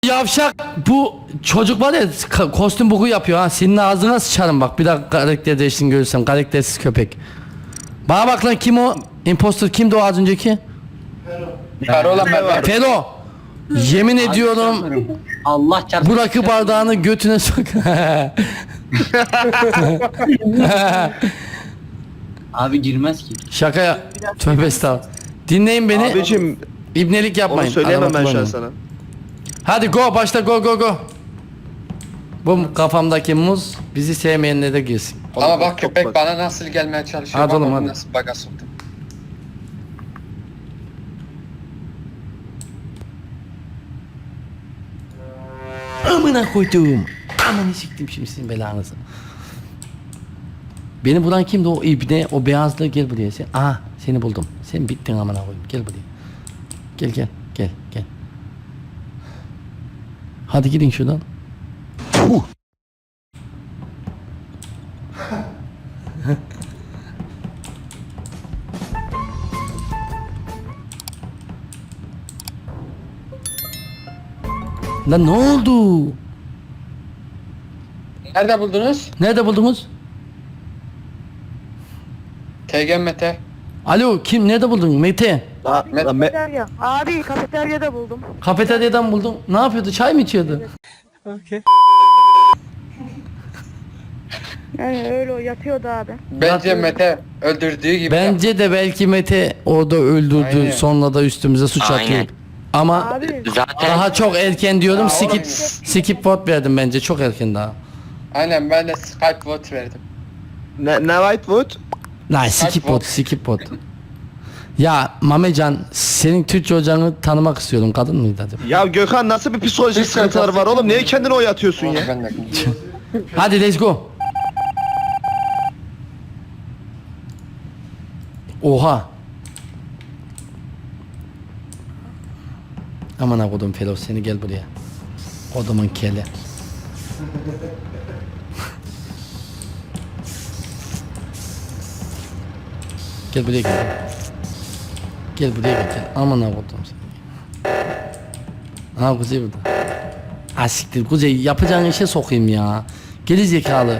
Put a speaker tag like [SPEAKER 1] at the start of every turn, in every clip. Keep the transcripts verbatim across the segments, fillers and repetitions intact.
[SPEAKER 1] Yavşak bu çocuk var ya ka- kostüm boku yapıyor ha. Senin ağzına sıçarım bak. Bir daha karakter değiştin görürsem. Karaktersiz köpek. Bana bak lan, kim o? Imposter kimdi o az önceki?
[SPEAKER 2] Karola ben.
[SPEAKER 1] Fero. Yemin ediyorum
[SPEAKER 3] Allah çarpsın.
[SPEAKER 1] bu rakı bardağını götüne sok.
[SPEAKER 3] Abi girmez ki.
[SPEAKER 1] Şaka ya. Tövbe estağfurullah. Dinleyin beni.
[SPEAKER 4] Abicim
[SPEAKER 1] İbnelik
[SPEAKER 4] onu
[SPEAKER 1] yapmayın.
[SPEAKER 4] söyleyemem
[SPEAKER 1] Araba
[SPEAKER 4] ben şu an
[SPEAKER 1] kullanmayın.
[SPEAKER 4] sana.
[SPEAKER 1] Hadi go, başla, go go go. Bu kafamdaki muz bizi sevmeyenlere de girsin.
[SPEAKER 2] Ama bak
[SPEAKER 4] Çok
[SPEAKER 2] köpek
[SPEAKER 4] bak.
[SPEAKER 2] bana nasıl gelmeye çalışıyor.
[SPEAKER 1] Hadi
[SPEAKER 2] Bak
[SPEAKER 1] oğlum,
[SPEAKER 2] onu
[SPEAKER 1] hadi.
[SPEAKER 2] nasıl baga soktum.
[SPEAKER 1] Amına koydum. Amanı siktim şimdi sizin belanızı. Beni bulan kimdi o ibne, o beyazlı, gel buraya sen. Aha seni buldum. Sen bittin amına koyayım. Gel buraya. Gel gel gel gel. Hadi gidin şuradan. Puh. Lan ne oldu?
[SPEAKER 2] Nerede buldunuz?
[SPEAKER 1] Nerede buldunuz?
[SPEAKER 2] T G M T.
[SPEAKER 1] Alo, kim, nerede buldun? Mete.
[SPEAKER 4] La, la, me-
[SPEAKER 5] Kafeterya. Abi kafeteryada buldum.
[SPEAKER 1] Kafeteryadan buldum. Ne yapıyordu? Çay mı içiyordu?
[SPEAKER 5] Yani öyle o yatıyordu abi.
[SPEAKER 2] Bence
[SPEAKER 1] Zaten-
[SPEAKER 2] Mete öldürdüğü gibi.
[SPEAKER 1] Bence de belki Mete orada öldürdü,
[SPEAKER 2] Aynen.
[SPEAKER 1] sonra da üstümüze suç
[SPEAKER 6] Aynen.
[SPEAKER 1] atıyor. Ama
[SPEAKER 5] Abi
[SPEAKER 6] Zaten
[SPEAKER 1] daha çok erken diyorum.
[SPEAKER 2] Ya
[SPEAKER 1] Skip
[SPEAKER 2] oğlum.
[SPEAKER 1] skip vote verdim bence, çok erken daha.
[SPEAKER 2] Aynen ben de Skype vote verdim.
[SPEAKER 4] ne, ne Whitewood?
[SPEAKER 1] Lan skip
[SPEAKER 2] vote.
[SPEAKER 1] vote, skip vote. Ya Mamecan, senin Türkçe hocanı tanımak istiyorum. Kadın mıydı acaba?
[SPEAKER 4] Ya Gökhan nasıl bir psikolojik sıkıntılar var oğlum? Niye kendini oyatıyorsun
[SPEAKER 2] Onu
[SPEAKER 4] ya?
[SPEAKER 2] ben de.
[SPEAKER 1] Hadi let's go. Oha. Aman ha kodum Felo, seni gel buraya. Kodumun keli. Gel buraya gel. Gel buraya gel. gel. Aman ha kodum seni. Ha Kuzey burada. Ha siktir Kuzey, yapacağın işe sokayım ya. Geri zekalı.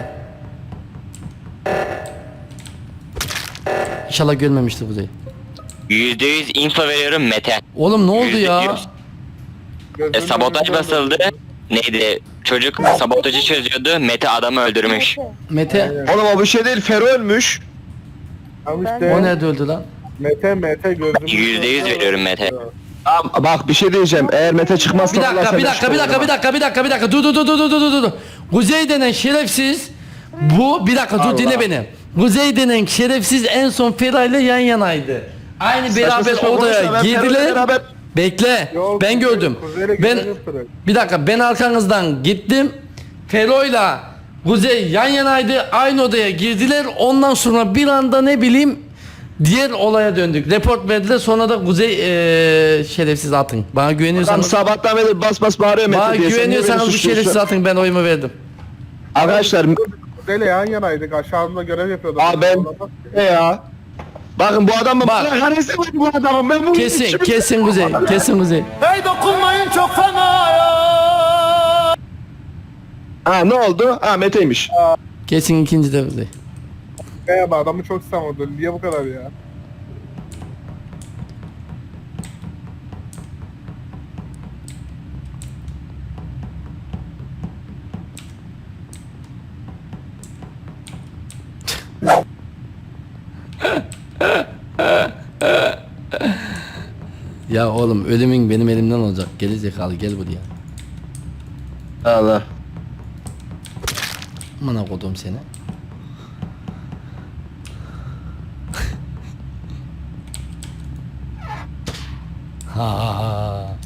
[SPEAKER 1] İnşallah görmemiştir Kuzey.
[SPEAKER 6] yüzde yüz info veriyorum Mete.
[SPEAKER 1] Oğlum ne oldu
[SPEAKER 6] Yüzde
[SPEAKER 1] ya?
[SPEAKER 6] yüz. E, sabotaj basıldı. Neydi? Çocuk sabotajı çözüyordu. Mete adamı öldürmüş.
[SPEAKER 1] Mete,
[SPEAKER 4] Oğlum o bir şey değil. Fero ölmüş.
[SPEAKER 7] Ama
[SPEAKER 1] o
[SPEAKER 7] işte
[SPEAKER 1] nerede öldü lan?
[SPEAKER 7] Mete Mete gözümü
[SPEAKER 6] Yüzde yüz veriyorum Mete.
[SPEAKER 4] Aa, bak bir şey diyeceğim. Eğer Mete çıkmazsa...
[SPEAKER 1] Bir dakika,
[SPEAKER 4] Allah
[SPEAKER 1] bir
[SPEAKER 4] seni
[SPEAKER 1] dakika, bir dakika,
[SPEAKER 4] çıkarır
[SPEAKER 1] bir dakika, bir dakika, bir dakika. Dur, dur, dur, dur, dur, dur, dur, dur. Kuzey denen şerefsiz. Bu, bir dakika, dur
[SPEAKER 4] Allah.
[SPEAKER 1] dinle beni. Kuzey denen şerefsiz en son Feray'la yan yanaydı. Aynı
[SPEAKER 4] Saçma
[SPEAKER 1] beraber
[SPEAKER 4] saçma
[SPEAKER 1] odaya
[SPEAKER 4] konuşma, ben Feray'la
[SPEAKER 1] girdiler.
[SPEAKER 4] beraber-
[SPEAKER 1] Bekle,
[SPEAKER 7] Yok,
[SPEAKER 1] ben gördüm.
[SPEAKER 7] Kuzey'le
[SPEAKER 1] Ben,
[SPEAKER 7] güzel yaptılar.
[SPEAKER 1] bir dakika, ben arkanızdan gittim. Fero'yla Kuzey yan yanaydı. Aynı odaya girdiler. Ondan sonra bir anda ne bileyim diğer olaya döndük. Report verdiler. Sonra da Kuzey eee şerefsiz atın. Bana
[SPEAKER 4] Adam
[SPEAKER 1] güveniyorsanız,
[SPEAKER 4] sabahtan beri bas bas bağırıyor Mete
[SPEAKER 1] bana
[SPEAKER 4] diye. Sen niye beni
[SPEAKER 1] güveniyorsanız bu
[SPEAKER 4] suçluyorsun?
[SPEAKER 1] şerefsiz atın. Ben oyumu verdim.
[SPEAKER 4] Arkadaşlar
[SPEAKER 7] Kuzeyle yan yanaydık, aşağımda görev yapıyordum.
[SPEAKER 4] Aa, ben- ne ya? Bakın bu adam mı?
[SPEAKER 1] Bak.
[SPEAKER 4] Karesi var bu adamın. Ben bunu
[SPEAKER 1] Kesin,
[SPEAKER 4] içimi-
[SPEAKER 1] kesin Kuzey. Kesin Kuzey.
[SPEAKER 4] Ha ne oldu? Ha Mete'ymiş.
[SPEAKER 1] Kesin ikinci de Kuzey.
[SPEAKER 7] Merhaba, adamı çok savundu. Niye bu kadar ya?
[SPEAKER 1] Ya oğlum, ölümün benim elimden olacak. Geri zekalı, gel buraya.
[SPEAKER 4] Allah.
[SPEAKER 1] Amına kodum seni. Ha ha ha.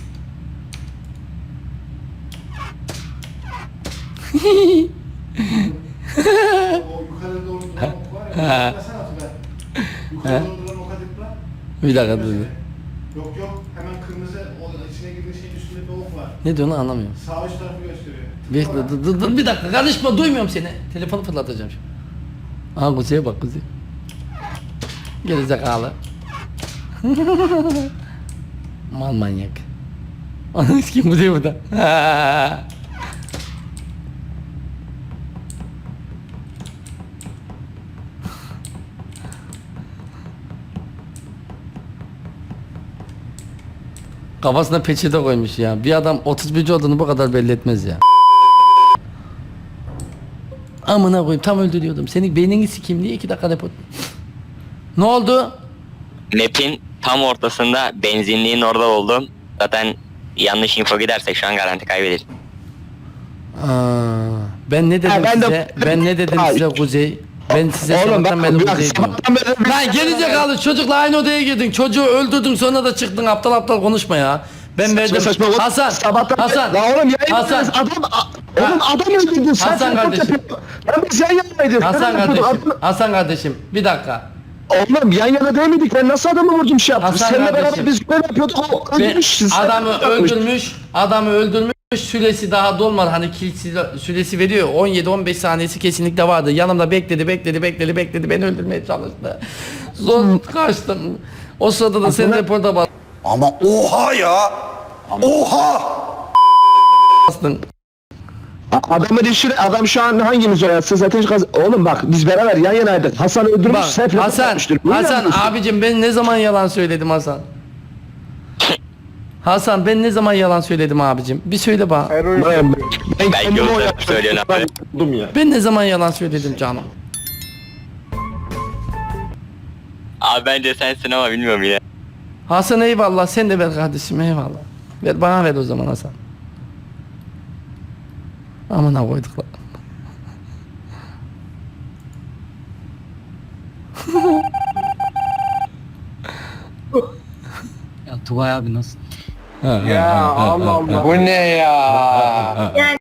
[SPEAKER 1] Ha. Ha. Bir dakika dur.
[SPEAKER 8] Yok yok hemen kırmızı o içine girdiği şeyin üstünde bir ok var.
[SPEAKER 1] Ne diyorsun lan, anlamıyorum.
[SPEAKER 8] Sağ üst tarafı gösteriyor.
[SPEAKER 1] Bir, dur, dur, dur, bir dakika karışma, duymuyorum seni. Telefonu fırlatacağım şimdi. Aha Kuzey'e bak Kuzey. Gerizekalı. Mal manyak. Ananı kim bu diyor bu da. Kafasına peçete koymuş ya. Bir adam otuz birinci olduğunu bu kadar belli etmez ya. Amına koyayım tam öldürüyordum. Senin beynini sikeyim diye iki dakika depot. Ne oldu?
[SPEAKER 6] Map'in tam ortasında benzinliğin orada oldum. Zaten yanlış info gidersek şu an garanti kaybederiz.
[SPEAKER 1] Aa, ben ne dedim
[SPEAKER 4] Ha, ben de-
[SPEAKER 1] size? Ben ne dedim
[SPEAKER 4] Ay.
[SPEAKER 1] size Kuzey? Ben size
[SPEAKER 4] Oğlum
[SPEAKER 1] sabahtan
[SPEAKER 4] bak,
[SPEAKER 1] beri
[SPEAKER 4] bak
[SPEAKER 1] Kuzey diyorum.
[SPEAKER 4] sabahtan beri
[SPEAKER 1] Lan gerizekalı çocukla aynı odaya girdin. Çocuğu öldürdün sonra da çıktın aptal aptal konuşma ya. Ben verdim.
[SPEAKER 4] saçma saçma-
[SPEAKER 1] Hasan.
[SPEAKER 4] Sabahtan
[SPEAKER 1] Hasan.
[SPEAKER 4] La oğlum yayın
[SPEAKER 1] Hasan.
[SPEAKER 4] adam a- oğlum adam öldürdün sen.
[SPEAKER 1] Hasan
[SPEAKER 4] telefon
[SPEAKER 1] kardeşim.
[SPEAKER 4] yapıyorsun. Lan biz yan yanaydık.
[SPEAKER 1] Hasan
[SPEAKER 4] Sen yapıyordun,
[SPEAKER 1] kardeşim.
[SPEAKER 4] adam-
[SPEAKER 1] Hasan kardeşim. Bir dakika.
[SPEAKER 4] Oğlum yan yana değil miydik? Ben nasıl adamı vurdum şey yaptım?
[SPEAKER 1] Hasan
[SPEAKER 4] Seninle
[SPEAKER 1] kardeşim.
[SPEAKER 4] beraber biz görev yapıyorduk. O
[SPEAKER 1] Ben
[SPEAKER 4] öldürmüş. sen
[SPEAKER 1] adamı
[SPEAKER 4] yapmış.
[SPEAKER 1] öldürmüş. Adamı öldürmüş. Süresi daha dolmadı. Hani kill süresi veriyor. on yedi on beş saniyesi kesinlikle vardı. Yanımda bekledi, bekledi, bekledi, bekledi. Beni öldürmeye çalıştı. Zor kaçtım. O sırada da sen reporta
[SPEAKER 9] Ama oha ya. Oha.
[SPEAKER 1] bastın.
[SPEAKER 4] A- Adamın işini adam şu an hangimiz oyatsın zaten kaz- oğlum bak biz beraber yan yanaydık. Hasan öldürmüş.
[SPEAKER 1] Bak
[SPEAKER 4] sen yapıp
[SPEAKER 1] Hasan,
[SPEAKER 4] yapmıştır. Niye
[SPEAKER 1] Hasan
[SPEAKER 4] yapıyorsun?
[SPEAKER 1] abicim ben ne zaman yalan söyledim Hasan? Hasan ben ne zaman yalan söyledim abicim? Bir söyle bana.
[SPEAKER 7] Ero'yu
[SPEAKER 4] Ben, ben
[SPEAKER 6] Belki
[SPEAKER 4] kendimi
[SPEAKER 6] o da
[SPEAKER 4] oyattım.
[SPEAKER 6] söylüyorsun abi.
[SPEAKER 4] Ben buldum ya.
[SPEAKER 1] Ben ne zaman yalan söyledim canım?
[SPEAKER 6] Abi bence sensin ama bilmiyorum yine.
[SPEAKER 1] Hasan eyvallah sen de ver kardeşim eyvallah. Ver bana ver o zaman Hasan. Amına koyduk lan.
[SPEAKER 3] Ya Tugay abi nasıl?
[SPEAKER 7] Ya Allah Allah.
[SPEAKER 2] Bu ne ya?